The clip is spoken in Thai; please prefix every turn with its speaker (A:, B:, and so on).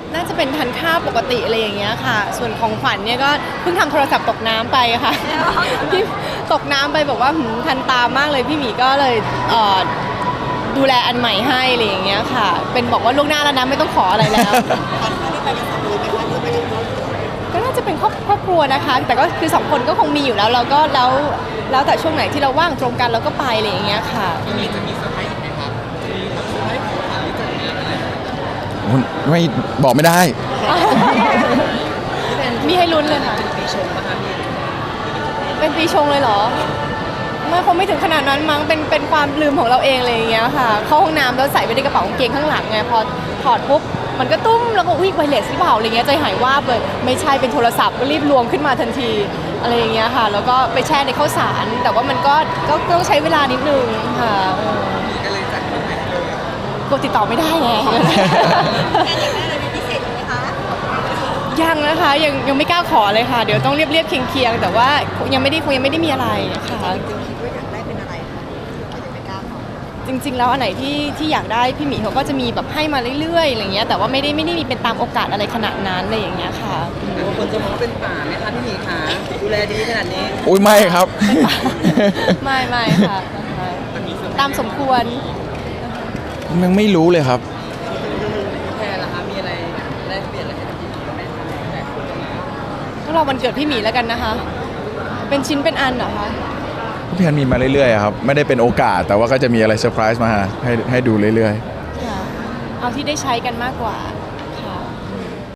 A: น่าจะเป็นทานข้าวปกติอะไรอย่างเงี้ยค่ะส่วนของขวัญเนี่ยก็เพิ่งทำโทรศัพท์ตกน้ำไปค่ะพี่ตกน้ำไปบอกว่าทันตามากเลยพี่หมีก็เลยดูแลอันใหม่ให้อะไรอย่างเงี้ยค่ะเป็นบอกว่าล่วงหน้าแล้วนะไม่ต้องขออะไรแล้วก็น่าจะเป็นครอบครัวนะคะแต่ก็คือ2 คนก็คงมีอยู่แล้วเราก็แล้วแต่ช่วงไหนที่เราว่างตรงกันเราก็ไปอะไรอย่างเงี้ยค่ะ
B: มีจะมีเซอร์ไพรส์อีกไหมครับมีแบบเซอร์ไพรส์ของขวัญหรือจัดงานอะไร
C: ไม่บอกไม่ได้
A: มีให้ลุ้นเลยค่ะ
B: ปีชงป่ะคะพี่
A: เป็นปีชงเลยเหรอไม่คงไม่ถึงขนาดนั้นมั้งเป็นความลืมของเราเองอะไรอย่างเงี้ยค่ะเข้าห้องน้ำแล้วใส่ไว้ในกระเป๋ากางเกงข้างหลังไงพอถอดปุ๊บมันก็ตุ้มแล้วก็วิ่งไวเลสหรือเปล่าอะไรเงี้ยใจหายวาบเลยไม่ใช่เป็นโทรศัพท์ก็รีบรวมขึ้นมาทันทีอะไรอย่างเงี้ยค่ะแล้วก็ไปแช่ในข้าวสารแต่ว่ามันก็ต้องใช้เวลานิดนึงค่ะ
B: ก็เลยจัดขึ้นไปเลย
A: กดติดต่อไม่ได้ไงยังนะคะยังไม่กล้าขอเลยค่ะเดี๋ยวต้องเรียบเคียงแต่ว่าคงยังไม่ได้มีอะไรค่ะ
D: คิดว่าอยากได้เป็นอะไรคะอาจจะไม่กล้าขอ
A: จริงๆแล้วอันไหนที่อยากได้พี่หมีเขาก็จะมีแบบให้มาเรื่อยๆอะไรเงี้ยแต่ว่าไม่ได้มีเป็นตามโอกาสอะไรขนาดนั้นอะไรอย่างเงี้ยค่ะ
B: แต่ว่าคนจะมองว่าเป็นป่าไหมคะพี่หมีคะดูแลดีขนาดนี้
C: อุ้ยไม่ครับ
A: ไม่ค่ะตามสมควร
C: ยังไม่รู้เลยครับ
B: แพรล่ะคะมีอะไรแลกเปลี่ยนอะไรให้พี่หมีกับแม่คะแต่คนจะมา
A: ก็รอวันเกิดพี่หมีแล้วกันนะคะ เป็นชิ้นเป็นอันเหรอคะ
C: พี่ฮันมีมาเรื่อยๆครับไม่ได้เป็นโอกาสแต่ว่าก็จะมีอะไรเซอร์ไพรส์มาให้ดูเรื่อย
A: ค่ะเอาที่ได้ใช้กันมากกว่า